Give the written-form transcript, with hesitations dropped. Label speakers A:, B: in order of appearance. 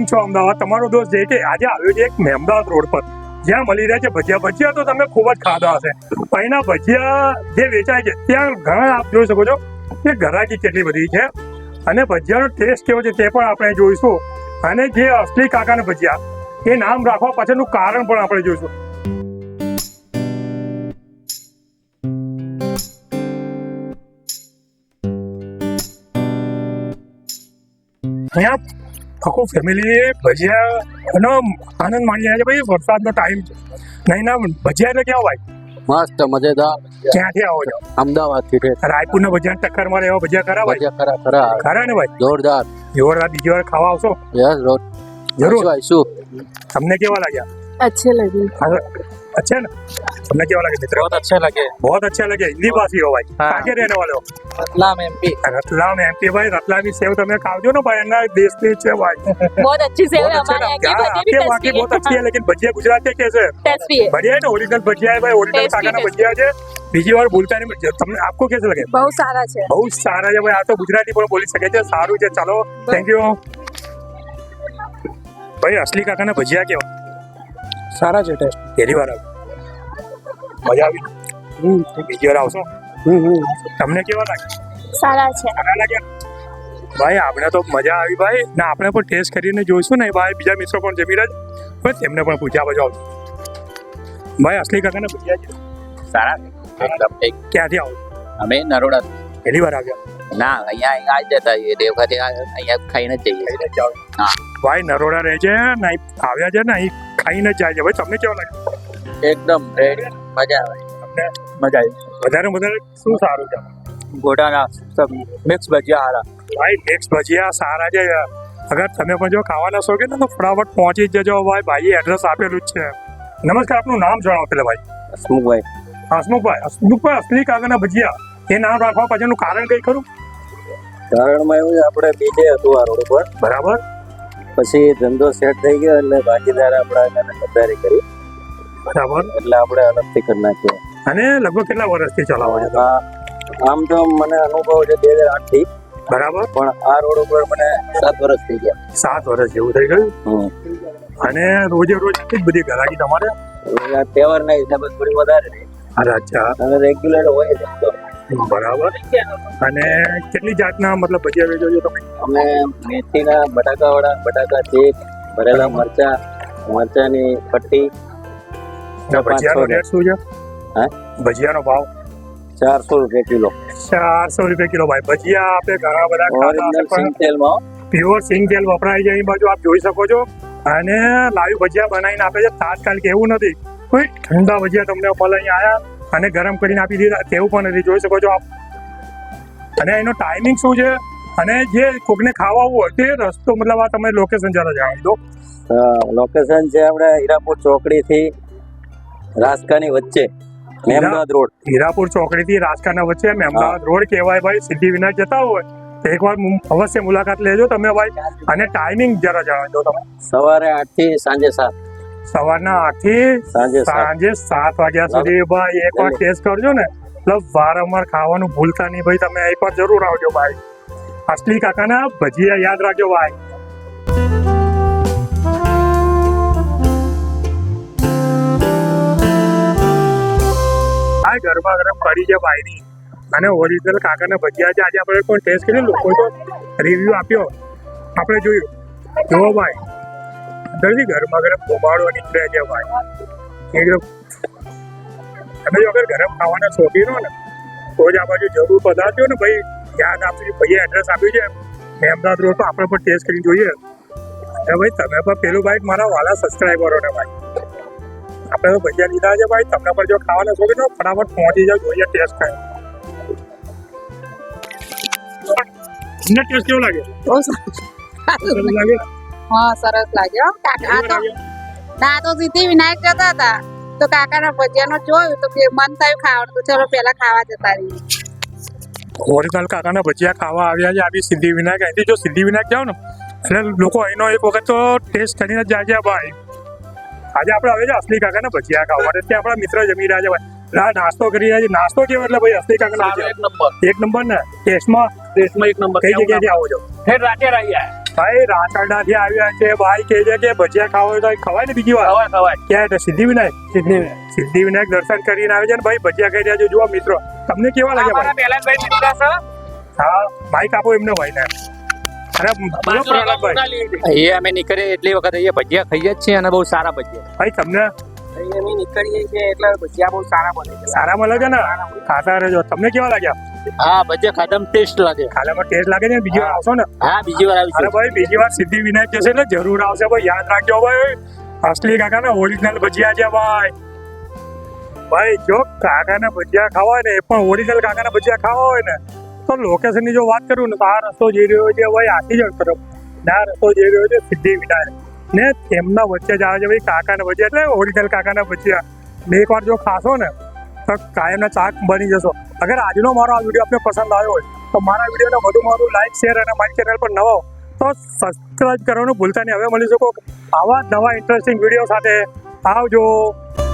A: છો અમદાવાદ? તમારો દોસ્ત જે કે આજે આવ્યો છે એક મહેમદાવાદ રોડ પર, જ્યાં મળી રહ્યા છે ભજીયા. ભજીયા તો તમે ખૂબ જ ખાધા હશે, પણ એના ભજીયા જે વેચાય છે ત્યાં ઘણા આપ જોઈ શકો છો કે ઘરાકી કેટલી બધી છે, અને ભજીયાનો ટેસ્ટ કેવો છે તે પણ આપણે જોઈશું. અને જે અસલી કાકાના ભજીયા એ નામ રાખવા પાછળનું કારણ પણ આપણે જોઈશું. અહીંયા આખું ફેમિલી ભજીયાનો આનંદ માણી રહ્યા છે. ભાઈ વરસાદનો ટાઈમ છે, નહીં ના ભજીયા એટલે કેવા ભાઈ?
B: મસ્ત મજેદાર.
A: ક્યાંથી આવો છો?
B: અમદાવાદ થી.
A: રાયપુરના ભજીયા ટક્કર મારે એવા ભજીયા ખરા ભાઈ?
B: ભજીયા ખરા
A: ખરા ને ભાઈ?
B: જોરદાર.
A: જોરદાર. બીજી વાર ખાવા આવશો?
B: યસ
A: જરૂર.
B: આવીશું.
A: તમને કેવા લાગ્યા?
C: अच्छे लगे।
A: अच्छे ना? તમને કેવા લાગે મિત્ર?
B: बहुत अच्छे लगे।
A: बहुत अच्छे लगे. हिंदी भाषी हो भाई?
B: हाँ।
A: कहाँ के रहने वाले हो?
B: रतलाम एमपी।
A: रतलाम एमपी भाई. रतलामी सेव તમે ખાવજો ને ભાઈ, એના દેશની છે ભાઈ.
C: बहुत अच्छी सेव है
A: बहुत अच्छे
C: हमारे
A: ना?
C: यहाँ की,
A: क्या
C: भजिया भी
A: आपके वहाँ की
C: टेस्टी
A: बहुत अच्छी है, लेकिन भजिया गुजरात के कैसे है?
C: टेस्टी है।
A: बढ़िया है ना? ओरिजिनल भजिया है भाई, ओरिजिनल
C: Tasty,
A: કાકાના
C: tasty.
A: ભજીયા છે. બીજી વાર બોલતા નહીં. તમને આપકો कैसे लगे?
C: बहुत सारा है।
A: બહુ સારા છે ભાઈ. આ તો ગુજરાતી પણ બોલી શકે છે. સારું છે. ચાલો, થેન્ક યુ ભાઈ. અસલી કાકાના ભજીયા કેવા?
B: સારા છે ટેસ્ટ.
A: પહેલી વાર આવ્યો, મજા આવી. બીજી વાર આવશો? તમને કેવા લાગે?
C: सारा है।
A: સારા લાગ્યા ભાઈ? આપણે તો મજા આવી ભાઈ, ને આપણે પણ ટેસ્ટ કરીને જોઈશું ને ભાઈ. બીજા મિત્રો પણ જમી રહ્યા છે, તેમને પણ પૂછ્યા બાજુ આવજો ભાઈ. અસલી કાકાના ભજીયા છે
B: સારા એકદમ ઠીક.
A: ક્યાંથી આવો?
B: અમે નરોડા.
A: પહેલી વાર આવ્યા?
B: ના અહીંયા આવી જતા દેવખાતે અહીંયા ખાઈને જ જઈએ. હા.
A: ભાઈ નરોડા રહે છે ને, અહીં આવ્યા છે ને, અહીં ખાઈને જ જાય છે ભાઈ. તમને કેવા લાગે?
B: એકદમ રેડી. મજા આવે.
A: તમને
B: મજા આવી.
A: વધારે વધારે શું સારું છે?
B: ગોડાના સબ મિક્સ ભજીયા હારા.
A: ભાઈ મિક્સ ભજીયા સારા છે. અગર તમે પણ જો ખાવાના શોખીન ને તો ફટાફટ પહોંચી જ જજો ભાઈ. ભાઈએ એડ્રેસ આપેલું જ છે. નમસ્કાર, આપનું નામ જણાવો પેલા ભાઈ.
B: હસમુખભાઈ.
A: હસમુખભાઈ, અસલી કાકાના ભજીયા એ નામ રાખવા પાછળનું કારણ કઈ ખરું?
B: કારણમાં એવું છે, આપણે બીજે હતું આ રોડ ઉપર,
A: બરાબર.
B: પછી ધંધો સેટ થઈ ગયો એટલે ભાગીદાર આપણે ખરીદારી કરી,
A: બરાબર.
B: એટલે આપણે અલગથી કરી નાખ્યો.
A: અને લગભગ કેટલા વર્ષથી ચલાવો છો?
B: આમ તો મને અનુભવ છે 2008 થી,
A: બરાબર.
B: પણ આ રોડ ઉપર મને 7 વર્ષ થઈ ગયા.
A: 7 વર્ષ જેવું થઈ ગયું. અને રોજે રોજ કેટલી બધી ગ્રાહકી તમારે?
B: આ તહેવારના હિસાબે થોડી વધારે રહી,
A: અરે અચ્છા,
B: અને રેગ્યુલર હોય જ ધંધો.
A: બરાબર. અને કેટલી જાતના મતલબ ભજીયા વેચો છો તમે?
B: અમે મેથીના બટાકાવાળા, બટાકા ચીપ, ભરેલા મરચા, મરચાની પટ્ટી.
A: ભજીયાનો રેટ શું છે?
B: હા,
A: ભજીયાનો ભાવ
B: 400 રૂપિયા કિલો.
A: 400 રૂપિયા કિલો ભાઈ. ભજીયા આપણે ઘણા બધા ખાતા હશે,
B: ઓરિજિનલ
A: પણ
B: સિંગ તેલમાં.
A: પ્યોર સિંગ તેલ વપરાય છે અહીં બાજુ, આપ જોઈ શકો છો. અને લાઈવ ભજીયા બનાવીને આપે છે. તાત્કાલિક એવું નથી કોઈ ઠંડા ભજીયા તમને મળે અહીં આયા અને ગરમ કરીને આપી દીધા તેવું પણ નથી, જોઈ શકો છો આપ. અને એનો ટાઈમિંગ શું છે, અને જે કોકને ખાવા હોય તે રસ્તો મતલબ આ તમે લોકેશન જરા જણાવી દો.
B: લોકેશન છે આપણે હીરાપુર ચોકડી થી રાજકાની વચ્ચે, મહેમદાવાદ રોડ.
A: હીરાપુર ચોકડી થી રાજકાના વચ્ચે મહેમદાવાદ રોડ કહેવાય ભાઈ. સિદ્ધિવિનાયક જતા હોય તો એકવાર અવશ્ય મુલાકાત લેજો તમે ભાઈ. અને ટાઈમિંગ જરા જણાવી દો તમે.
B: સવારે 8 થી સાંજે 7.
A: સવારના 8 થી
B: સાંજે 7.
A: સાંજે 7 વાગ્યા સુધી ભાઈ. એકવાર ટેસ્ટ કરજો ને, મતલબ વારંવાર ખાવાનું ભૂલતા નહીં ભાઈ. તમે એકવાર જરૂર આવજો ભાઈ. અસલી કાકાના ભજીયા યાદ રાખજો ભાઈ. આ ગરમા ગરમ કઢી છે ભાઈની, અને ઓરિજિનલ કાકાના ભજીયા છે. આજે આપણે કોઈ ટેસ્ટ કરી લોકો તો રિવ્યુ આપ્યો, આપણે જોયું. જુઓ ભાઈ, અંદરથી ગરમા ગરમ ધુમાડો નીકળે છે ભાઈ. એકદમ તમે જો અગર ગરમ ખાવાના શોખીન હો ને તો જ આ બાજુ જરૂર પધારજો ને ભાઈ. યાદ આપ્યું, ભાઈએ એડ્રેસ આપ્યું છે મહેમદાવાદ રોડ પર. આપણે પણ ટેસ્ટ કરીને જોઈએ. અને ભાઈ તમે પણ પેલું ભાઈ મારા વાલા સબસ્ક્રાઈબરો ને ભાઈ, આપણે તો ભજીયા લીધા છે ભાઈ. તમને પણ જો ખાવાના શોખીન હો ફટાફટ પહોંચી જાઓ, જોઈએ ટેસ્ટ કરે. તમને ટેસ્ટ કેવો લાગે? સરસ લાગે?
C: हाँ सरस लागे हो काका तो ना तो સિદ્ધિવિનાયક જતા હતા તો કાકાના ભજીયાનો જોયું તો મન થયું ખાવાનું, તો ચલો પેલા ખાવા જતા રહીએ.
A: ઓરિજિનલ કાકાના ભજીયા ખાવા આવ્યા છે આવી સિદ્ધિવિનાયક. અહીંથી જો સિદ્ધિવિનાયક જાઓ ને એટલે લોકો અહીંનો એક વખત તો ટેસ્ટ કરીને જ જાય છે ભાઈ. આજે આપણે આવે છે અસલી કાકાના ભજીયા ખાવા માટે. ત્યાં આપણા મિત્ર જમી રહ્યા છે ભાઈ. નાસ્તો કરી રહ્યા છે. નાસ્તો કેવો એટલે ભાઈ અસલી કાકાના ભજીયા એક નંબર ને ટેસ્ટમાં.
B: એક નંબર.
A: કઈ જગ્યાએથી આવો છો?
B: હેડ રાતે રહી
A: ભાઈ રાસરડાથી આવ્યા છે ભાઈ કે છે કે ભજીયા ખાવા હોય તો ખવાય ને બીજી વાર
D: ખવાય
A: ક્યાં એટલે સિદ્ધિવિનાયક દર્શન કરીને આવે છે ને ભાઈ ભજીયા ખાઈ રહ્યા છે જુઓ મિત્રો તમને કેવા લાગ્યા ભાઈ
D: પેલા ભાઈ મિત્ર છે
A: હા માઈક આપો એમને ભાઈ ને અરે બોલો પ્રહલાદભાઈ
E: અહીંયા અમે નીકળીએ એટલી વખત અહીંયા ભજીયા ખાઈએ જ છીએ અને બહુ સારા ભજીયા
A: ભાઈ તમને
D: અમે નીકળીએ છીએ એટલે ભજીયા બહુ સારા બને છે
A: સારા મળે છે ને ખાતા રહેજો તમને કેવા લાગ્યા
E: હા ભજીયા ખાધા ટેસ્ટ લાગે
A: ખાવામાં ટેસ્ટ લાગે છે ને બીજી વાર આવશો ને
E: હા બીજી વાર
A: અરે
E: આવીશું
A: ભાઈ બીજી વાર સિદ્ધિવિનાયક જશે એટલે જરૂર આવશે ભાઈ યાદ રાખજો ભાઈ અસલી કાકાના ઓરિજિનલ ભજીયા છે ભાઈ ભાઈ જો કાકાના ભજીયા ખાવા હોય ને એ પણ ઓરિજિનલ કાકાના ભજીયા ખાવા હોય ને તો લોકેશનની જો વાત કરું ને તો આ રસ્તો જઈ રહ્યો છે ભાઈ આખીજણ તરફ ને આ રસ્તો જઈ રહ્યો છે સિદ્ધિવિનાયક ને તેમના વચ્ચે જ આવે છે ભાઈ કાકાના ભજીયા એટલે ઓરિજિનલ કાકાના ભજીયા ને એકવાર જો ખાશો ને તો કાયમના ચાક બની જશો અગર આજનો મારો આ વિડીયો આપને પસંદ આવ્યો હોય તો મારા વિડીયોને વધુ લાઈક શેર અને મારી ચેનલ પર નવા હો તો સબસ્ક્રાઇબ કરવાનું ભૂલતા નહીં હવે મળી શકો આવા નવા ઇન્ટરેસ્ટિંગ વિડીયો સાથે આવજો